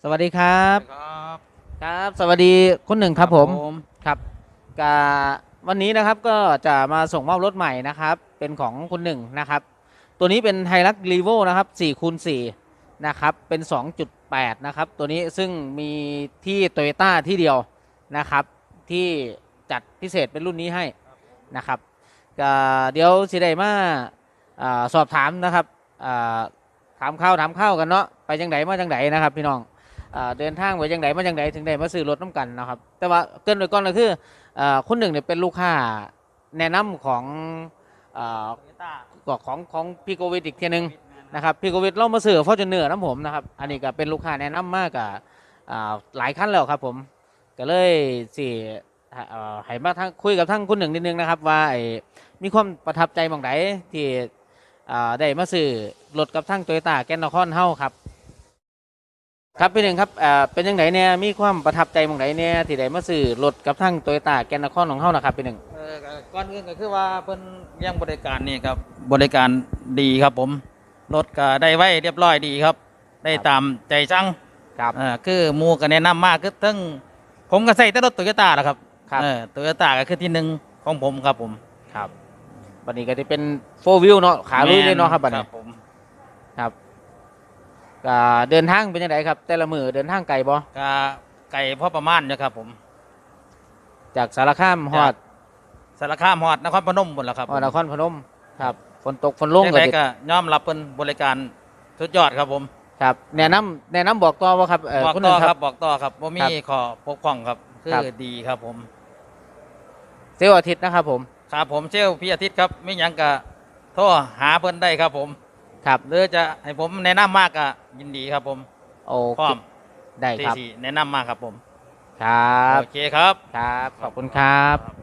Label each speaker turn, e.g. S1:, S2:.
S1: สวัสดีครับ
S2: ครับ
S1: ครับสวัสดีคุณหนึ่งครับผมครับกาวันนี้นะครับก็จะมาส่งมอบรถใหม่นะครับเป็นของคุณหนึ่งนะครับตัวนี้เป็นไฮรักรีโวนะครับ4x4นะครับเป็น2.8นะครับตัวนี้ซึ่งมีที่โตโยต้าที่เดียวนะครับที่จัดพิเศษเป็นรุ่นนี้ให้นะครับก็เดี๋ยวสิได้มาสอบถามนะครับอ่าถามข้าวกันเนาะไปจังไดมาจังไดนะครับพี่น้อง เดินทางไปยังไงมายังไงถึงได้มาซื้อรถน้ำกันนะครับแต่ว่าเกินไปก่อนก็คือคนหนึ่งเนี่ยเป็นลูกค้าแนะนำของอ่าของพี่โกวิดอีกทีหนึงนะครับพี่โกวิดเรามาซื้อฟอร์จูเนอร์น้ำผมนะครับอันนี้ก็เป็นลูกค้าแนะนำมากกับหลายขั้นแล้วครับผมก็เลยสิให้มาทั้งคุยกับทั้งคุณหนึ่งนิดนึงนะครับว่ามีความประทับใจบางไหนที่ได้มาซื้อรถกับทั้งโตโยต้าแกนนครเฮาครับ ครับพี่หนึ่งครับเป็นยังไงเนี่ยมีความประทับใจบางไหนเนี่ยที่ได้มาซื้อรถกับทั้งโตโยต้าแกนนครของเฮานะครับพี่หนึ่ง
S2: ก่อนอื่นก็คือว่าเพิ่นยังบริการนี่ครับบริการดีครับผมรถก็ได้ไว้เรียบร้อยดีครับได้ตามใจสั่ง
S1: ครับ
S2: คือหมู่ก็แนะนำมากคือทั้งผมก็ใส่แต่รถโตโยต้าแหละครับ
S1: ครับ
S2: โตโยต้าก็คือที่หนึ่งของผมครับผม
S1: ครับบัดนี้ก็จะเป็นโฟวิวเนาะขาลุยเลยเนาะครับบัดนี้
S2: ครับผม
S1: ครับก็เดินทางเป็นยังไงครับแต่ละมือเดินทางไกลบ่
S2: ก็ไก่พอประมาณนะครับผม
S1: จากสารคามฮอด
S2: สารคามฮอดนครพนมหมดแล้วครับ
S1: นครพนมครับฝนตกฝนลง
S2: ยัง
S1: ก็
S2: ไง
S1: สิ
S2: ก็ยอมรับเป็นบริการสุดยอดครับผม
S1: ครับแนะนำบอกต่อว่าครับ
S2: บอก
S1: คุณหนึ่งครั
S2: ต่อครับบบอกต่อครับว่ามี
S1: ครับ
S2: ขอปกป้องครับคื
S1: ครับ
S2: อดีครับผม
S1: เซลล์อาทิตย์นะครับผม
S2: ครับผมเชลพี่อาทิตย์ครับไม่ยังกะโทรหาเพิ่นได้ครับผม
S1: ครับ
S2: หรือจะให้ผมแนะนำมากก็ยินดีครับผม
S1: โอเค
S2: พร้อม
S1: ได้
S2: ที่
S1: ครับ
S2: สี่แนะนำมากครับผม
S1: ครับ
S2: โอเคครับ
S1: ครับขอบคุณครับ